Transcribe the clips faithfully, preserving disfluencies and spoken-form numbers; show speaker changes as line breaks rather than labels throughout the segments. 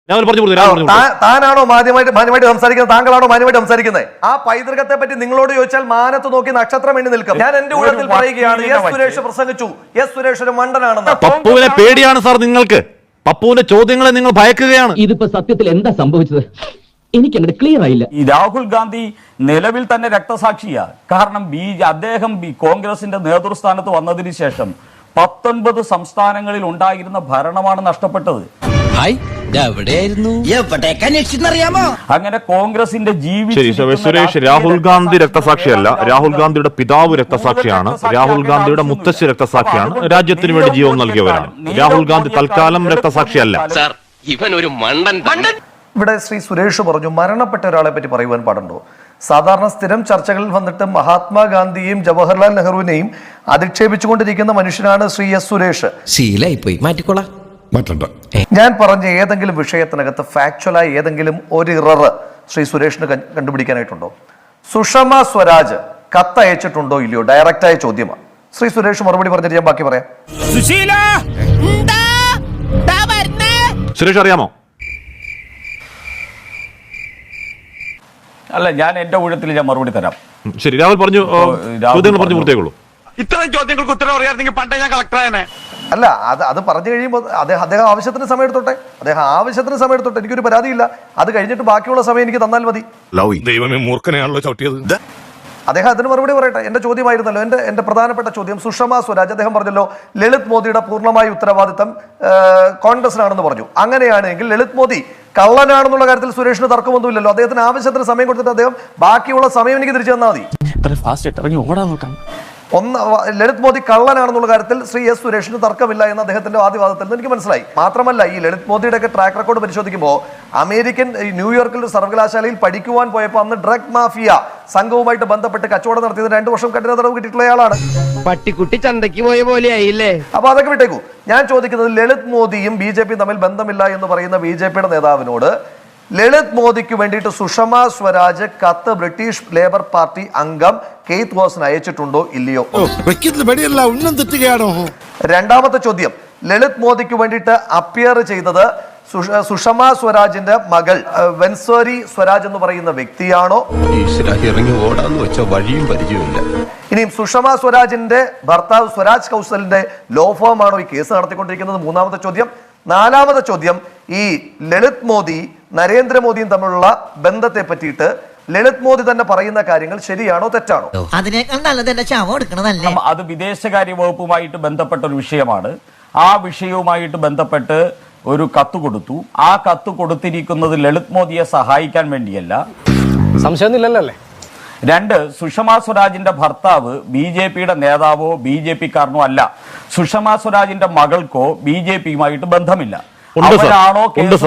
താനാണോ മാന്യമായിട്ട് മാന്യമായിട്ട് സംസാരിക്കുന്നത്? താങ്കളാണോ മാന്യമായിട്ട് സംസാരിക്കുന്നത്? ആ പൈതൃകത്തെ പറ്റി നിങ്ങളോട് ചോദിച്ചാൽ മാനത്ത് നോക്കി നക്ഷത്രം എണ്ണി നിൽക്കും. ഞാൻ എന്റെ ഊഴത്തിൽ പറയുകയാണ്, എസ് സുരേഷ് പ്രസംഗിച്ചു, എസ് സുരേഷ് ഒരു മണ്ടനാണെന്ന്.
പപ്പുവിനെ പേടിയാണ് സാർ നിങ്ങൾക്ക്. പപ്പുവിന്റെ ചോദ്യങ്ങളെ നിങ്ങൾ ഭയക്കുകയാണ്.
ഇതിപ്പോ സത്യത്തിൽ എന്താ സംഭവിച്ചത് എനിക്ക് അങ്ങോട്ട് ക്ലിയർ ആയില്ല.
ഈ രാഹുൽ ഗാന്ധി നിലവിൽ തന്നെ രക്തസാക്ഷിയാണ്. കാരണം ബി അദ്ദേഹം കോൺഗ്രസിന്റെ നേതൃസ്ഥാനത്ത് വന്നതിന് ശേഷം പത്തൊൻപത് സംസ്ഥാനങ്ങളിൽ ഉണ്ടായിരുന്ന ഭരണമാണ് നഷ്ടപ്പെട്ടത്. അങ്ങനെ കോൺഗ്രസിന്റെ
സുരേഷ്, രാഹുൽ ഗാന്ധി രക്തസാക്ഷിയല്ല, രാഹുൽ ഗാന്ധിയുടെ പിതാവ് രക്തസാക്ഷിയാണ്, രാഹുൽ ഗാന്ധിയുടെ മുത്തശ്ശി രക്തസാക്ഷിയാണ്, രാജ്യത്തിന് വേണ്ടി ജീവൻ നൽകിയവരാണ്. രാഹുൽ ഗാന്ധി തൽക്കാലം രക്തസാക്ഷിയല്ല.
ഇവൻ ഒരു മണ്ടൻ.
ഇവിടെ ശ്രീ സുരേഷ് പറഞ്ഞു മരണപ്പെട്ട ഒരാളെ പറ്റി പറയുവാൻ പാടുണ്ടോ? സാധാരണ സ്ഥിരം ചർച്ചകളിൽ വന്നിട്ട് മഹാത്മാഗാന്ധിയെയും ജവഹർലാൽ നെഹ്റുവിനെയും അധിക്ഷേപിച്ചുകൊണ്ടിരിക്കുന്ന മനുഷ്യനാണ് ശ്രീ എസ് സുരേഷ്.
ശീലായിപ്പോയി, മാറ്റിക്കോളാം.
ഞാൻ പറഞ്ഞ ഏതെങ്കിലും വിഷയത്തിനകത്ത് ഫാക്ച്വലായി ഏതെങ്കിലും ഒരു ഇറർ ശ്രീ സുരേഷിന് കണ്ടുപിടിക്കാനായിട്ടുണ്ടോ? സുഷമ സ്വരാജ് കത്തയച്ചിട്ടുണ്ടോ ഇല്ലയോ? ഡയറക്റ്റായ ചോദ്യമാണ്. ശ്രീ സുരേഷ് മറുപടി പറഞ്ഞിട്ട് ഞാൻ ബാക്കി പറയാം.
സുരേഷ് അറിയാമോ?
അല്ല, ഞാൻ എന്റെ ഊഴത്തിൽ ഞാൻ മറുപടി തരാം.
ശരി, രാഹുൽ പറഞ്ഞു, ചോദ്യങ്ങൾ പറഞ്ഞു പൂർത്തിയാക്കുള്ളൂ.
ഇത്തരം ചോദ്യങ്ങൾക്ക് ഉത്തരം അറിയാമെങ്കിൽ പണ്ടേ ഞാൻ കളക്ടറായനെ.
അല്ല, അത് അത് പറഞ്ഞു കഴിയുമ്പോൾ അദ്ദേഹം അദ്ദേഹം ആവശ്യത്തിന് സമയം എടുത്തോട്ടെ, അദ്ദേഹം ആവശ്യത്തിന് സമയം എടുത്തോട്ടെ, എനിക്കൊരു പരാതിയില്ല. അത് കഴിഞ്ഞിട്ട് ബാക്കിയുള്ള സമയം എനിക്ക് തന്നാൽ മതി.
ദൈവമേ, മൂർഖനെയാണല്ലോ ചവിട്ടിയത്.
അദ്ദേഹം അതിന് മറുപടി പറയട്ടെ. എന്റെ ചോദ്യമായിരുന്നല്ലോ, എന്റെ എന്റെ പ്രധാനപ്പെട്ട ചോദ്യം. സുഷമ സ്വരാജ്, അദ്ദേഹം പറഞ്ഞല്ലോ ലളിത് മോദിയുടെ പൂർണ്ണമായ ഉത്തരവാദിത്തം കോൺഗ്രസിനാണെന്ന് പറഞ്ഞു. അങ്ങനെയാണെങ്കിൽ ലളിത് മോദി കള്ളനാണെന്നുള്ള കാര്യത്തിൽ സുരേഷിന് തർക്കമൊന്നുമില്ലല്ലോ. അദ്ദേഹത്തിന് ആവശ്യത്തിന് സമയം കൊടുത്തിട്ട് അദ്ദേഹം ബാക്കിയുള്ള സമയം എനിക്ക് തിരിച്ചു തന്നാൽ മതി. ഒന്ന്, ലളിത് മോദി കള്ളനാണെന്നുള്ള കാര്യത്തിൽ ശ്രീ എസ് സുരേഷിന് തർക്കമില്ല എന്ന് അദ്ദേഹത്തിന്റെ വാദിവാദത്തിൽ നിന്ന് എനിക്ക് മനസ്സിലായി. മാത്രമല്ല, ഈ ലളിത് മോദിയുടെ ഒക്കെ ട്രാക്ക് റെക്കോർഡ് പരിശോധിക്കുമ്പോൾ അമേരിക്കൻ ന്യൂയോർക്കിൽ ഒരു സർവകലാശാലയിൽ പഠിക്കുവാൻ പോയപ്പോൾ അന്ന് ഡ്രഗ് മാഫിയ സംഘവുമായിട്ട് ബന്ധപ്പെട്ട് കച്ചവടം നടത്തിയത് രണ്ടു വർഷം കഠിന തടവ് കിട്ടിയിട്ടുള്ളയാളാണ്.
പട്ടിക്കുട്ടി ചന്തയ്ക്ക് പോയ പോലെ ആയില്ലേ.
അപ്പൊ അതൊക്കെ വിട്ടേക്കൂ. ഞാൻ ചോദിക്കുന്നത്, ലളിത് മോദിയും ബി ജെ പിയും തമ്മിൽ ബന്ധമില്ല എന്ന് പറയുന്ന ബി ജെ പിയുടെ നേതാവിനോട് ലളിത് മോദിക്ക് വേണ്ടിയിട്ട് സുഷമ സ്വരാജ് കത്ത് ബ്രിട്ടീഷ് ലേബർ പാർട്ടി അംഗം കെയ്ത്ത് വാസിന് അയച്ചിട്ടുണ്ടോ ഇല്ലയോ? രണ്ടാമത്തെ ചോദ്യം, ലളിത് മോദിക്ക് വേണ്ടിയിട്ട് അപ്പിയർ ചെയ്തത് സുഷമ സ്വരാജിന്റെ മകൾ വെൻസോരി സ്വരാജ് എന്ന് പറയുന്ന വ്യക്തിയാണോ? ഇനിയും സുഷമ സ്വരാജിന്റെ ഭർത്താവ് സ്വരാജ് കൗശലിന്റെ ലോ ഫേം ആണോ ഈ കേസ് നടത്തിക്കൊണ്ടിരിക്കുന്നത്? മൂന്നാമത്തെ ചോദ്യം. നാലാമത്തെ ചോദ്യം, ഈ ലളിത് മോദി നരേന്ദ്രമോദിയും തമ്മിലുള്ള ബന്ധത്തെ പറ്റിയിട്ട് ലളിത് മോദി തന്നെ പറയുന്ന കാര്യങ്ങൾ ശരിയാണോ തെറ്റാണോ?
അത് വിദേശകാര്യ വകുപ്പുമായിട്ട് ബന്ധപ്പെട്ട ഒരു വിഷയമാണ്. ആ വിഷയവുമായിട്ട് ബന്ധപ്പെട്ട് ഒരു കത്ത് കൊടുത്തു. ആ കത്ത് കൊടുത്തിരിക്കുന്നത് ലളിത് മോദിയെ സഹായിക്കാൻ വേണ്ടിയല്ല.
സംശയമൊന്നുമില്ലല്ലോ.
രണ്ട്, സുഷമ സ്വരാജിന്റെ ഭർത്താവ് ബി ജെ പിയുടെ നേതാവോ ബി ജെ പി കാരനോ അല്ല. സുഷമ സ്വരാജിന്റെ മകൾക്കോ ബി ജെ പിയുമായിട്ട് ബന്ധമില്ല. അവരാണോ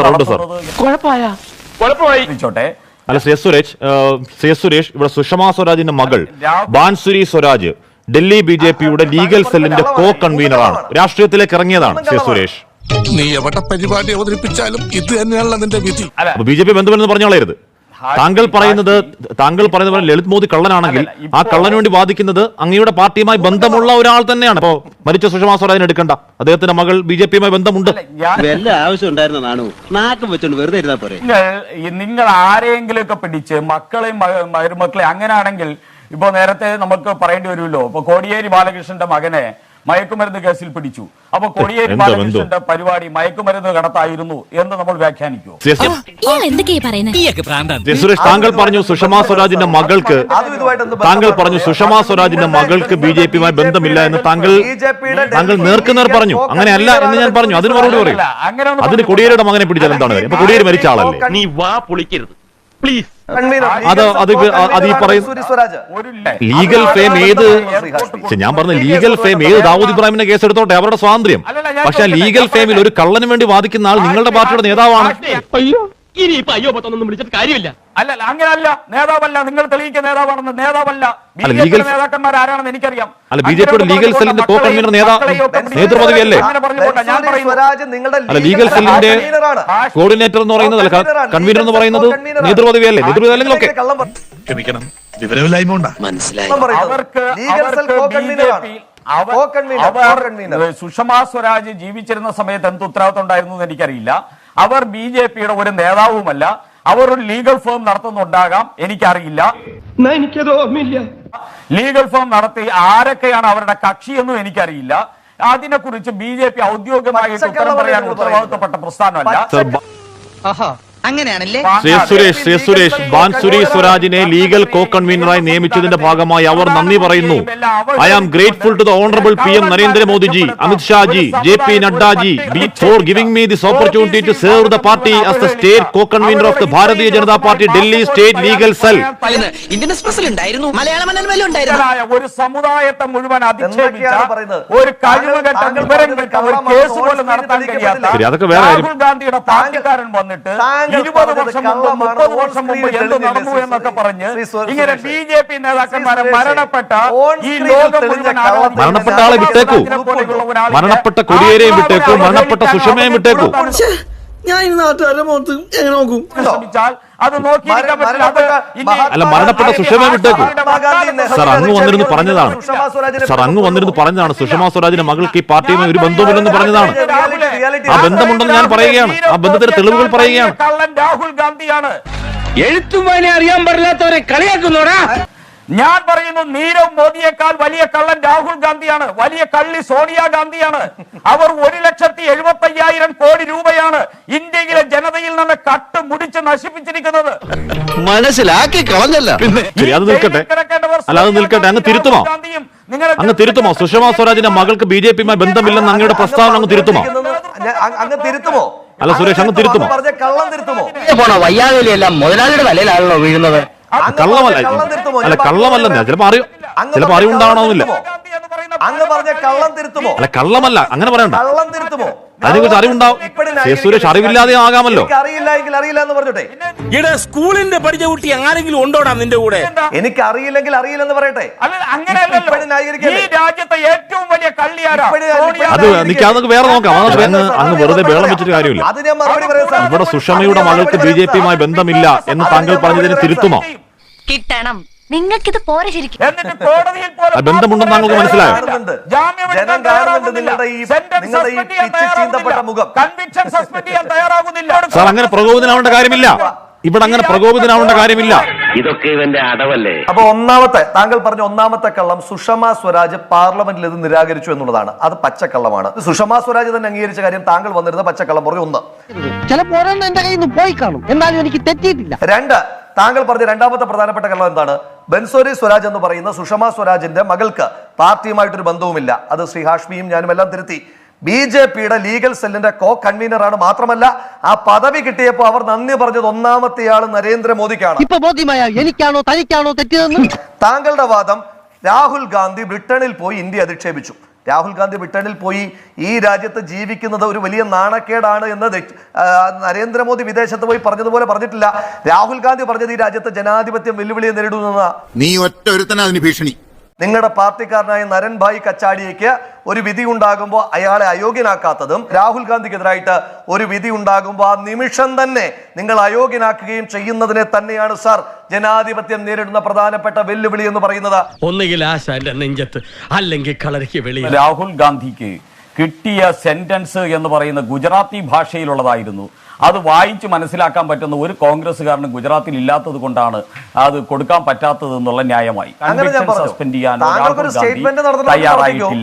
ചോട്ടെ.
അല്ല, ശ്രീ സുരേഷ് ശ്രീ സുരേഷ് ഇവിടെ സുഷമ സ്വരാജിന്റെ മകൾ ബാൻസുരി സ്വരാജ് ഡൽഹി ബി ജെ പിയുടെ ലീഗൽ സെല്ലിന്റെ കോ കൺവീനറാണ്, രാഷ്ട്രീയത്തിലേക്ക് ഇറങ്ങിയതാണ്. ശ്രീ സുരേഷ്,
നീ എവിടെ പരിപാടി അവതരിപ്പിച്ചാലും ഇത് തന്നെയാണല്ലോ നിന്റെ വിധി.
ബി ജെ പി ബന്ധമെന്ന് പറഞ്ഞോളരുത്. താങ്കൾ പറയുന്നത് താങ്കൾ പറയുന്ന പോലെ ലളിത് മോദി കള്ളനാണെങ്കിൽ ആ കള്ളന് വേണ്ടി വാദിക്കുന്നത് അങ്ങയുടെ പാർട്ടിയുമായി ബന്ധമുള്ള ഒരാൾ തന്നെയാണ്. അപ്പോ മരിച്ച സുഷമ സ്വരാജിനെ എടുക്കണ്ട, അദ്ദേഹത്തിന്റെ മകൾ ബി ജെ പിയുമായി ബന്ധമുണ്ട്.
നിങ്ങൾ ആരെങ്കിലും ഒക്കെ പിടിച്ച് മക്കളെയും മരുമക്കളെയും അങ്ങനെയാണെങ്കിൽ ഇപ്പൊ നേരത്തെ നമുക്ക് പറയേണ്ടി വരുമല്ലോ. ഇപ്പൊ കോടിയേരി ബാലകൃഷ്ണന്റെ മകനെ മയക്കുമരുന്ന് കേസിൽ പിടിച്ചു. അപ്പൊ കോടിയേരി ബാലകൃഷ്ണന്റെ പരിപാടി മയക്കുമരുന്ന് കടത്തായിരുന്നു എന്ന് നമ്മൾ വ്യാഖ്യാനിക്കുമോ?
സുരേഷ്, താങ്കൾ പറഞ്ഞു സുഷമ സ്വരാജിന്റെ മകൾക്ക് താങ്കൾ പറഞ്ഞു സുഷമ സ്വരാജിന്റെ മകൾക്ക് ബി ജെ പിയുമായി ബന്ധമില്ല എന്ന് താങ്കൾ താങ്കൾ നേർക്കുനേർ പറഞ്ഞു. അങ്ങനെയല്ല എന്ന് ഞാൻ പറഞ്ഞു. അതിന് മറുപടി പറയും. അതിന് കോടിയേരിയുടെ മകനെ പിടിച്ചാൽ എന്താണ് കാര്യം? അപ്പൊ കോടിയേരി മരിച്ച ആളല്ലേ?
നീ വാ പൊളിക്കരുത് പ്ലീസ്.
അത് അത് അത് ഈ പറയുന്ന ലീഗൽ ഫെയിം ഏത് ഞാൻ പറഞ്ഞ ലീഗൽ ഫെയിം ഏത് ദാവൂദ് ഇബ്രാഹിമിന്റെ കേസ് എടുത്തോട്ടെ, അവരുടെ സ്വാതന്ത്ര്യം. പക്ഷെ ലീഗൽ ഫെയിമിൽ ഒരു കള്ളന് വേണ്ടി വാദിക്കുന്ന ആൾ നിങ്ങളുടെ പാർട്ടിയുടെ നേതാവാണ്.
ഇനിയിപ്പോ അയ്യോ പത്തൊന്നും വിളിച്ചിട്ട് കാര്യമില്ല.
അല്ല, അങ്ങനല്ല, നേതാവല്ല. നിങ്ങൾ തെളിയിക്കുന്ന നേതാവാണെന്ന്. നേതാവല്ല, നേതാക്കന്മാർ ആരാണെന്ന് എനിക്കറിയാം.
അല്ല, ബി ജെ പിയുടെ ലീഗൽ സെല്ലിന്റെ കോ കൺവീനർ നേതൃപദവിയല്ലേ? അല്ല, ലീഗൽ സെല്ലിന്റെ കോർഡിനേറ്റർ എന്ന് പറയുന്നത് അല്ല, കൺവീനർ എന്ന് പറയുന്നത് നേതൃപദവിയല്ലേ? നേതൃപദവി അല്ലെങ്കിൽ ഓക്കെ,
ക്ഷമിക്കണം, വിവരമില്ലായ്മ ഉണ്ടാ.
മനസ്സിലായി. സുഷമ സ്വരാജ് ജീവിച്ചിരുന്ന സമയത്ത് എന്ത് ഉത്തരവാദിത്വം ഉണ്ടായിരുന്നു എന്ന് എനിക്കറിയില്ല. അവർ ബി ജെ പിയുടെ ഒരു നേതാവുമല്ല. അവർ ഒരു ലീഗൽ ഫേം നടത്തുന്നുണ്ടാകാം, എനിക്കറിയില്ല.
എനിക്കത് ഓർമ്മയില്ല.
ലീഗൽ ഫേം നടത്തി ആരൊക്കെയാണ് അവരുടെ കക്ഷി എന്നും എനിക്കറിയില്ല. അതിനെക്കുറിച്ച് ബി ജെ പി ഔദ്യോഗികമായിട്ട് ഉത്തരം പറയാൻ ഉത്തരവാദിത്തപ്പെട്ട പ്രസ്ഥാനമല്ല.
അങ്ങനെയാണല്ലേ?
ശ്രീ സുരേഷ് ശ്രീ സുരേഷ് ബാൻസുരി സ്വരാജിനെ ലീഗൽ കോ കൺവീനറായി നിയമിച്ചതിന്റെ ഭാഗമായി അവർ നന്ദി പറയുന്നു. I am grateful to the honourable P M Narendra Modi ji, Amit Shah ji, J P Nadda ji for giving me this opportunity to serve the party as the state co convener of the Bharatiya Janata party Delhi state legal cell.
Indian എക്സ്പ്രസിൽ ഉണ്ടായിരുന്നു, മലയാള മനോരമയിലും ഉണ്ടായിരുന്നു.
ഒരു സമുദായത്തെ മുഴുവൻ അധിക്ഷേപിച്ച ഒരു കഴിവുകെട്ട വിവരം കെട്ട ഒരു കേസ് പോലും നടത്താൻ കഴിയാത്ത
അതൊക്കെ വേറെ
രാഹുൽ ഗാന്ധിയുടെ പാർട്ടിക്കാരൻ വന്നിട്ട് ഇരുപത് വർഷം മുമ്പ് മുപ്പത് വർഷം മുമ്പ് എന്ത് നടന്നു എന്നൊക്കെ പറഞ്ഞ് ഇങ്ങനെ ബി ജെ പി നേതാക്കന്മാരെ മരണപ്പെട്ട ഈ ലോകം മുഴുവൻ
മരണപ്പെട്ട ആളെ വിട്ടേക്കൂ, മരണപ്പെട്ട കൊടിയേരെയും വിട്ടേക്കൂ, മരണപ്പെട്ട സുഷമയും വിട്ടേക്കൂ.
ഞാൻ ഈ നാട്ടുകാരുടെ മുഖത്ത് എങ്ങനെ നോക്കും?
ശ്രമിച്ചാൽ അത് നോക്കിയിരിക്കാൻ പറ്റില്ല. അത് ഇനി
അല്ല, മരണപ്പെട്ട സുഷമയെ വിട്ടേക്കൂ. സർ അങ്ങ് വന്നിരുന്നു പറഞ്ഞതാണ് സർ അങ്ങ് വന്നിരുന്നു പറഞ്ഞതാണ് സുഷമാ സ്വരാജിന്റെ മകൾക്ക് ഈ പാർട്ടിയുമായി ഒരു ബന്ധവുമില്ലെന്ന് പറഞ്ഞതാണ്. ആ ബന്ധമുണ്ടെന്ന് ഞാൻ പറയുകയാണ്, ആ ബന്ധത്തിന്റെ തെളിവുകൾ പറയുകയാണ്.
കള്ളൻ രാഹുൽ ഗാന്ധിയാണ്.
എഴുത്തും വായന അറിയാൻ പാടില്ലാത്തവരെ കളിയാക്കുന്നോടാ.
ഞാൻ പറയുന്നു, നീരവ് മോദിയേക്കാൾ വലിയ കള്ളൻ രാഹുൽ ഗാന്ധിയാണ്, വലിയ കള്ളി സോണിയാ ഗാന്ധിയാണ്. അവർ ഒരു ലക്ഷത്തി എഴുപത്തി അയ്യായിരം കോടി രൂപയാണ് ഇന്ത്യയിലെ ജനതയിൽ നിന്ന് കട്ട് മുടിച്ച് നശിപ്പിച്ചിരിക്കുന്നത്.
മനസ്സിലാക്കി കളഞ്ഞല്ല.
ശരി, അത് നിൽക്കട്ടെ. അല്ല, അത് നിൽക്കട്ടെ. അങ്ങ് തിരുത്തുമോ അങ്ങ് തിരുത്തുമോ സുഷമാ സ്വരാജിന്റെ മകൾക്ക് ബി ജെ പിയുമായി ബന്ധമില്ലെന്ന് അങ്ങയുടെ പ്രസ്താവന അങ്ങ് തിരുത്തുമോ?
അങ്ങ് തിരുത്തുമോ?
അല്ല സുരേഷ്, അങ്ങ് തിരുത്തുമോ?
പറഞ്ഞ കള്ളം തിരുത്തുമോ?
വയ്യാതെല്ലാം മുതലാളിയുടെ തലയിലാണല്ലോ വീഴുന്നത്.
കള്ളമല്ല, അല്ല കള്ളമല്ലെന്ന് ചിലപ്പോ അറിയും, ചിലപ്പോ അറിവുണ്ടാവണമെന്നില്ല.
അങ്ങ് പറഞ്ഞ കള്ളം തിരുത്തുമോ?
അല്ല കള്ളമല്ല, അങ്ങനെ പറയണ്ട.
കള്ളം തിരുത്തുമോ?
അതിനെക്കുറിച്ച് അറിവുണ്ടാവും. സുരേഷ് അറിവില്ലാതെ ആകാമല്ലോ.
അറിയില്ല എങ്കിൽ അറിയില്ല എന്ന് പറഞ്ഞോട്ടെ.
ഇവിടെ സ്കൂളിന്റെ പഠിച്ച കുട്ടി ആരെങ്കിലും ഉണ്ടോടാ നിന്റെ കൂടെ?
എനിക്ക് അറിയില്ലെങ്കിൽ അറിയില്ലെന്ന് പറയട്ടെ.
അങ്ങനെയല്ലല്ലോ. ഈ രാജ്യത്തെ ഏറ്റവും വലിയ കള്ളിയാരാ?
അത് എനിക്ക് അതൊക്കെ വേറെ നോക്കാം. അങ്ങ് അങ്ങ് വെറുതെ വേളം വെച്ചിട്ട് കാര്യമില്ല.
അത് ഞാൻ മറുപടി പറയാം.
ഇവിടെ സുഷമയുടെ മകൾക്ക് ബി ജെ പിയുമായി ബന്ധമില്ല എന്ന് താങ്കൾ പറഞ്ഞതിന് തിരുത്തുമോ?
കിട്ടണം, നിങ്ങൾക്കിത് പോരെ ശരിക്കും.
എന്നിട്ട് കോടതിയിൽ പോലും
ബന്ധമുണ്ടെന്ന് താങ്കൾക്ക് മനസ്സിലായോ?
ജനം കാണുന്നുണ്ട് നിങ്ങളുടെ ഈ നിങ്ങളുടെ ഈ പിച്ച് ചീന്തപ്പെട്ട മുഖം.
കൺവിക്ഷൻ സസ്പെൻഡ് ചെയ്യാൻ തയ്യാറാകുന്നില്ല.
സാർ അങ്ങനെ പ്രകോപിതനാവേണ്ട കാര്യമില്ല. ഇവിടെ അങ്ങനെ പ്രകോപിതനാവേണ്ട കാര്യമില്ല.
ഇതൊക്കെ ഇവന്റെ അടവല്ലേ?
അപ്പൊ ഒന്നാമത്തെ താങ്കൾ പറഞ്ഞ ഒന്നാമത്തെ കള്ളം സുഷമാ സ്വരാജ് പാർലമെന്റിൽ ഇത് നിരാകരിച്ചു എന്നുള്ളതാണ്. അത് പച്ചക്കള്ളമാണ്. സുഷമാ സ്വരാജ് തന്നെ അംഗീകരിച്ച കാര്യം താങ്കൾ വന്നിരുന്ന പച്ചക്കള്ളം പറഞ്ഞു. ഒന്ന്,
ചിലപ്പോ എന്റെ കയ്യിൽ നിന്ന് പോയി കാണും, എന്നാലും എനിക്ക് തെറ്റിയിട്ടില്ല.
രണ്ട്, താങ്കൾ പറഞ്ഞ രണ്ടാമത്തെ പ്രധാനപ്പെട്ട കള്ളം എന്താണ്? ബൻസോരി സ്വരാജ് എന്ന് പറയുന്ന സുഷമാ സ്വരാജിന്റെ മകൾക്ക് പാർട്ടിയുമായിട്ടൊരു ബന്ധവുമില്ല. അത് ശ്രീ ഹാഷ്മിയും ഞാനും എല്ലാം തിരുത്തി. ബി ജെ പിയുടെ ലീഗൽ സെല്ലിന്റെ കോ കൺവീനറാണ്. മാത്രമല്ല ആ പദവി കിട്ടിയപ്പോൾ അവർ നന്ദി പറഞ്ഞത് ഒന്നാമത്തെയാൾ നരേന്ദ്രമോദിക്കാണ്.
ഇപ്പൊ ബോധ്യമായ എനിക്കാണോ തനിക്കാണോ തെറ്റിയതെന്ന്?
താങ്കളുടെ വാദം രാഹുൽ ഗാന്ധി ബ്രിട്ടനിൽ പോയി ഇന്ത്യ അധിക്ഷേപിച്ചു. രാഹുൽ ഗാന്ധി ബ്രിട്ടനിൽ പോയി ഈ രാജ്യത്ത് ജീവിക്കുന്നത് ഒരു വലിയ നാണക്കേടാണ് എന്ന് നരേന്ദ്രമോദി വിദേശത്ത് പോയി പറഞ്ഞതുപോലെ പറഞ്ഞിട്ടില്ല. രാഹുൽ ഗാന്ധി പറഞ്ഞത് ഈ രാജ്യത്തെ ജനാധിപത്യം വെല്ലുവിളിയെ നേരിടുന്ന
നീ ഒറ്റ ഒരുത്തനാ അതിന് ഭീഷണി.
നിങ്ങളുടെ പാർട്ടിക്കാരനായ നരൻഭായ് കച്ചാടിയയ്ക്ക് ഒരു വിധി ഉണ്ടാകുമ്പോൾ അയാളെ അയോഗ്യനാക്കാത്തതും രാഹുൽ ഗാന്ധിക്കെതിരായിട്ട് ഒരു വിധി ഉണ്ടാകുമ്പോൾ ആ നിമിഷം തന്നെ നിങ്ങൾ അയോഗ്യനാക്കുകയും ചെയ്യുന്നതിനെ തന്നെയാണ് സാർ ജനാധിപത്യം നേരിടുന്ന പ്രധാനപ്പെട്ട വെല്ലുവിളി എന്ന് പറയുന്നത്.
ഒന്നുകിൽ ആശാന്റെ നെഞ്ചത്ത്, അല്ലെങ്കിൽ കളരിക്ക് വെളിയിൽ.
രാഹുൽ ഗാന്ധിക്ക് കിട്ടിയ സെന്റൻസ് എന്ന് പറയുന്ന ഗുജറാത്തി ഭാഷയിലുള്ളതായിരുന്നു. അത് വായിച്ച് മനസ്സിലാക്കാൻ പറ്റുന്ന ഒരു കോൺഗ്രസ്സുകാരനും ഗുജറാത്തിൽ ഇല്ലാത്തത് കൊണ്ടാണ് അത് കൊടുക്കാൻ പറ്റാത്തത് എന്നുള്ള ന്യായമായി സസ്പെൻഡ് ചെയ്യാൻ തയ്യാറായിട്ടില്ല.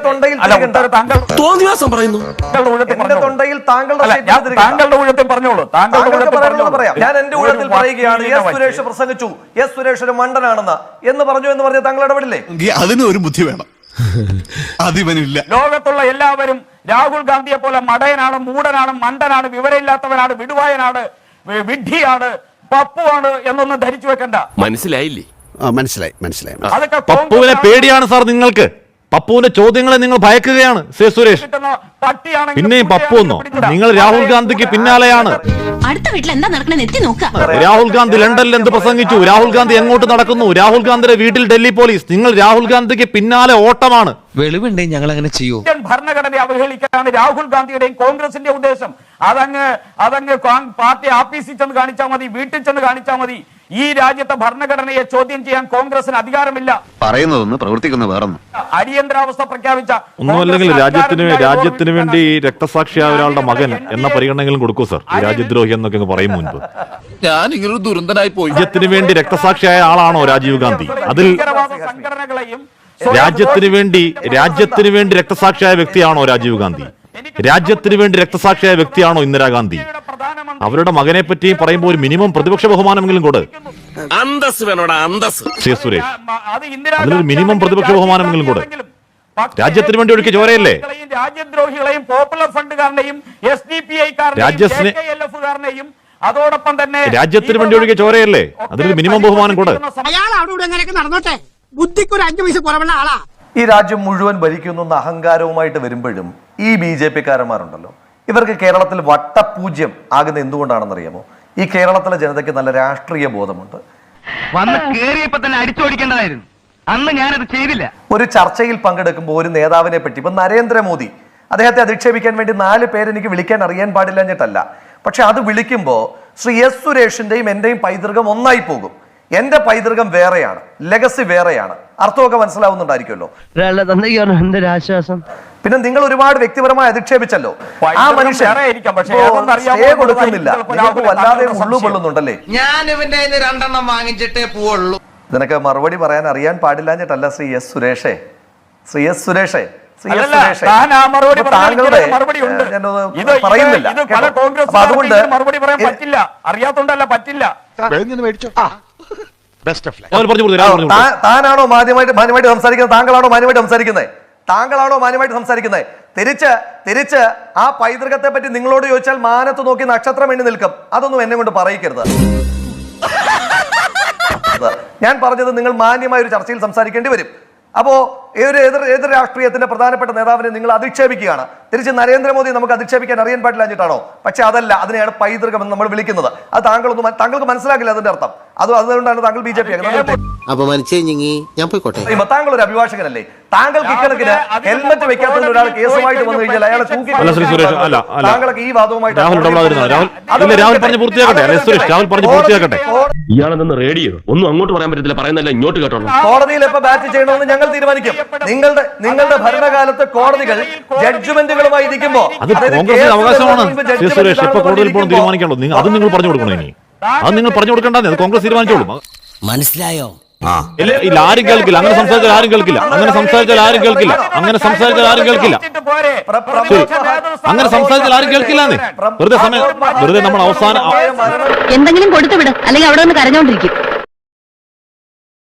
താങ്കളുടെ ഊഴത്തിൽ പറഞ്ഞോളൂ. താങ്കളുടെ
ഞാൻ എന്റെ ഊഴത്തിൽ പറയുകയാണ്. എസ് സുരേഷ് പ്രസംഗിച്ചു, എസ് സുരേഷ് ഒരു മണ്ടനാണെന്ന് എന്ന് പറഞ്ഞു എന്ന് പറഞ്ഞ താങ്കൾ ഇടപെടില്ലേ?
അതിന് ഒരു ബുദ്ധി വേണം, അതിവനില്ല.
ലോകത്തുള്ള എല്ലാവരും രാഹുൽ ഗാന്ധിയെ പോലെ മടയനാണ്, മൂടനാണ്, മണ്ടനാണ്, വിവരമില്ലാത്തവനാണ്, വിടുവായനാണ്, വിഡ്ഢിയാണ്, പപ്പുവാണ് എന്നൊന്നും ധരിച്ചു വെക്കണ്ട.
മനസ്സിലായില്ലേ?
മനസ്സിലായി മനസ്സിലായി.
അതൊക്കെ
പപ്പുവിനെ പേടിയാണ് സാർ നിങ്ങൾക്ക്. പപ്പുവിന്റെ ചോദ്യങ്ങളെ നിങ്ങൾ ഭയക്കുകയാണ് സേ സുരേഷ്. പിന്നെയും പപ്പു എന്നോ? നിങ്ങൾ രാഹുൽ ഗാന്ധിക്ക് പിന്നാലെയാണ്.
അടുത്ത വീട്ടിൽ എന്താ നടക്കണെന്ന് എത്തി നോക്കാം.
രാഹുൽ ഗാന്ധി ലണ്ടനിൽ എന്ത് പ്രസംഗിച്ചു? രാഹുൽ ഗാന്ധി എങ്ങോട്ട് നടക്കുന്നു? രാഹുൽ ഗാന്ധിയുടെ വീട്ടിൽ ഡൽഹി പോലീസ്. നിങ്ങൾ രാഹുൽ ഗാന്ധിക്ക് പിന്നാലെ ഓട്ടമാണ്.
വെളിവുണ്ടേ ഞങ്ങൾ അങ്ങനെ ചെയ്യൂ?
ഭരണഘടനയെ അവഹേളിക്കാനാണ് രാഹുൽ ഗാന്ധിയുടെയും കോൺഗ്രസിന്റെ ഉദ്ദേശം. അതങ്ങ് അതങ്ങ് പാർട്ടി ആഫീസിൽ ചെന്ന് കാണിച്ചാൽ മതി, വീട്ടിൽ ചെന്ന് കാണിച്ചാൽ മതി. ഈ രാജ്യത്തെ ഭരണഘടനയെ ചോദ്യം ചെയ്യാൻ കോൺഗ്രസിന് അധികാരമില്ല.
പറയുന്നതൊന്ന് പ്രവർത്തിക്കുന്ന വേറൊന്നും.
അടിയന്തരാവസ്ഥ പ്രഖ്യാപിച്ച
ഒന്നുമല്ലെങ്കിൽ രാജ്യത്തിന് രാജ്യത്തിന് വേണ്ടി രക്തസാക്ഷിയായ ഒരാളുടെ മകൻ എന്ന പരിഗണനകളും കൊടുക്കൂ സർ. ഈ രാജ്യദ്രോഹി എന്നൊക്കെ പറയും മുൻപ്
ഞാൻ ഇങ്ങനൊരു ദുരന്തനായി പോയി.
രാജ്യത്തിന് വേണ്ടി രക്തസാക്ഷിയായ ആളാണോ രാജീവ് ഗാന്ധി? അതിൽ
സംഘടനകളെയും
രാജ്യത്തിന് വേണ്ടി രാജ്യത്തിന് വേണ്ടി രക്തസാക്ഷിയായ വ്യക്തിയാണോ രാജീവ് ഗാന്ധി? രാജ്യത്തിന് വേണ്ടി രക്തസാക്ഷിയായ വ്യക്തിയാണോ ഇന്ദിരാഗാന്ധി? അവരുടെ മകനെ പറ്റി പറയുമ്പോൾ ഒരു മിനിമം പ്രതിപക്ഷ ബഹുമാനമെങ്കിലും കൊടു.
അന്തസ് വേണോടാ അന്തസ്.
ശ്രീ സുരേഷ്, അതിലൊരു മിനിമം പ്രതിപക്ഷ ബഹുമാനമെങ്കിലും കൊടു. രാജ്യത്തിന് വേണ്ടി ഒഴുക്കി ചോരയല്ലേ?
രാജ്യദ്രോഹികളെയും പോപ്പുലർ ഫണ്ടുകാരനെയും എസ് ഡി പി
രാജ്യസ്നേ-
ഐക്കാരനെയും അതോടൊപ്പം തന്നെ
രാജ്യത്തിന് വേണ്ടി ഒഴുകിയ ചോരയല്ലേ? അതിലൊരു മിനിമം ബഹുമാനം കൊടു.
അയാൾ അവിടെ ഇവിടെ എങ്ങനെയൊക്കെ നടന്നോട്ടെ, ബുദ്ധിക്ക് ഒരു അഞ്ചു പൈസ കുറവുള്ള ആളാ.
ഈ രാജ്യം മുഴുവൻ ഭരിക്കുന്നു എന്ന അഹങ്കാരവുമായിട്ട് വരുമ്പോഴും ഈ ബി ജെ പി കാരന്മാരുണ്ടല്ലോ, ഇവർക്ക് കേരളത്തിൽ വട്ടപൂജ്യം ആകുന്ന എന്തുകൊണ്ടാണെന്നറിയാമോ? ഈ കേരളത്തിലെ ജനതയ്ക്ക് നല്ല രാഷ്ട്രീയ ബോധമുണ്ട്.
വന്ന് കേറിയപ്പോ തന്നെ അടിച്ചോടിക്കേണ്ടതായിരുന്നു. അന്ന് ഞാനത് ചെയ്തില്ല.
ഒരു ചർച്ചയിൽ പങ്കെടുക്കുമ്പോൾ ഒരു നേതാവിനെ പറ്റി, ഇപ്പൊ നരേന്ദ്രമോദി, അദ്ദേഹത്തെ അധിക്ഷേപിക്കാൻ വേണ്ടി നാല് പേരെനിക്ക് വിളിക്കാൻ അറിയാൻ പാടില്ലഞ്ഞിട്ടല്ല, പക്ഷെ അത് വിളിക്കുമ്പോൾ ശ്രീ എസ് സുരേഷിന്റെയും എന്റെയും പൈതൃകം ഒന്നായി പോകും. എന്റെ പൈതൃകം വേറെയാണ്, ലെഗസി വേറെയാണ്. അർത്ഥമൊക്കെ മനസ്സിലാവുന്നുണ്ടായിരിക്കുമല്ലോ.
ആശ്വാസം.
പിന്നെ നിങ്ങൾ ഒരുപാട് വ്യക്തിപരമായി അധിക്ഷേപിച്ചല്ലോ. ആ മനുഷ്യൻ സ്റ്റേ കൊടുക്കുന്നില്ല, നിങ്ങൾക്ക് വല്ലാതെ ഉള്ളു കൊള്ളുന്നുണ്ടല്ലേ?
ഞാൻ ഇവന്റെ രണ്ടെണ്ണം വാങ്ങിച്ചിട്ടേ പോവുള്ളൂ.
ഇതിനൊക്കെ മറുപടി പറയാൻ അറിയാൻ പാടില്ലാഞ്ഞിട്ടല്ല ശ്രീ എസ് സുരേഷേ, ശ്രീ എസ് സുരേഷേ ശ്രീ എസ് സുരേഷേ, താങ്കളുടെ ഞാനത് പറയുന്നില്ല. അപ്പൊ അതുകൊണ്ട്
മറുപടി പറയാൻ പറ്റില്ല, അറിയാത്തോണ്ടല്ല പറ്റില്ല.
താ- താനാണോ മാന്യമായിട്ട് മാന്യമായിട്ട് സംസാരിക്കുന്നത്? താങ്കളാണോ മാന്യമായിട്ട് സംസാരിക്കുന്നത്? താങ്കളാണോ മാന്യമായിട്ട് സംസാരിക്കുന്നത്? തിരിച്ച് തിരിച്ച് ആ പൈതൃകത്തെ പറ്റി നിങ്ങളോട് ചോദിച്ചാൽ മാനത്ത് നോക്കി നക്ഷത്രം എണ്ണി നിൽക്കും. അതൊന്നും എന്നെ കൊണ്ട് പറയിക്കരുത്. ഞാൻ പറഞ്ഞത് നിങ്ങൾ മാന്യമായ ഒരു ചർച്ചയിൽ സംസാരിക്കേണ്ടി വരും. അപ്പോ ഏതൊരു എതിർ എതിർ രാഷ്ട്രീയത്തിന്റെ പ്രധാനപ്പെട്ട നേതാവിനെ നിങ്ങൾ അധിക്ഷേപിക്കുകയാണ്. തിരിച്ച് നരേന്ദ്രമോദി നമുക്ക് അധിക്ഷേപിക്കാൻ അറിയാൻ പാടില്ലാഞ്ഞിട്ടാണോ? പക്ഷെ അതല്ല, അതിനെയാണ് പൈതൃകം എന്ന് നമ്മൾ വിളിക്കുന്നത്. അത് താങ്കളൊന്നും താങ്കൾക്ക് മനസ്സിലാക്കില്ല അതിന്റെ അർത്ഥം. അത് അതുകൊണ്ടാണ് താങ്കൾ ബി ജെ പി
ഞാൻ പോയിക്കോട്ടെ.
താങ്കൾ ഒരു അഭിഭാഷകനല്ലേ? താങ്കൾക്ക് ഇക്കണക്കിന് ഹെൽമറ്റ് വെക്കാത്ത ഒരാൾ കേസുമായിട്ട് വന്നു കഴിഞ്ഞാൽ അയാളെ തൂക്കി
അല്ല ശ്രീ സുരേഷ്, അല്ല അല്ല
താങ്കളൊക്കെ ഈ വാദവുമായിട്ട്
രാഹുൽ ഇടപെടാതിരുന്നോ? രാഹുൽ ഇല്ല, രാഹുൽ പറഞ്ഞു പൂർത്തിയാക്കട്ടെ. അല്ലെ സുരേഷ്, രാഹുൽ പറഞ്ഞു പൂർത്തിയാക്കട്ടെ.
ഇയാളെന്ന് റേഡിയോ ഒന്നും അങ്ങോട്ട് പറയാൻ പറ്റത്തില്ല, പറയുന്നല്ല ഇങ്ങോട്ട് കേട്ടോളൂ.
കോടതിയിൽ എപ്പോ ബാറ്റ് ചെയ്യണമെന്ന് ഞങ്ങൾ തീരുമാനിക്കും. നിങ്ങളുടെ നിങ്ങളുടെ ഭരണകാലത്ത് കോടതികൾ ജഡ്ജ്മെന്റുകളുമായി ഇരിക്കുമ്പോ
അത് കോൺഗ്രസിന്റെ അവകാശമാണ് ശ്രീ സുരേഷ്. എപ്പോ കോടതിയിൽ പോകണം തീരുമാനിക്കാണല്ലോ. അത് നിങ്ങൾ പറഞ്ഞു കൊടുക്കണം. ഇനി അത് നിങ്ങൾ പറഞ്ഞു കൊടുക്കണ്ടേ, അത് കോൺഗ്രസ് തീരുമാനിച്ചോളൂ.
മനസ്സിലായോ?
ഇല്ല, ആരും കേൾക്കില്ല. അങ്ങനെ സംസാരിച്ചാൽ ആരും കേൾക്കില്ല. അങ്ങനെ സംസാരിച്ചാൽ ആരും കേൾക്കില്ല. അങ്ങനെ സംസാരിച്ചാൽ ആരും കേൾക്കില്ല. അങ്ങനെ സംസാരിച്ചാൽ ആരും കേൾക്കില്ലാന്നേ. വെറുതെ സമയം വെറുതെ നമ്മൾ അവസാനം
എന്തെങ്കിലും കൊടുത്തു വിട്, അല്ലെങ്കിൽ അവിടെ നിന്ന് കരഞ്ഞോണ്ടിരിക്കും.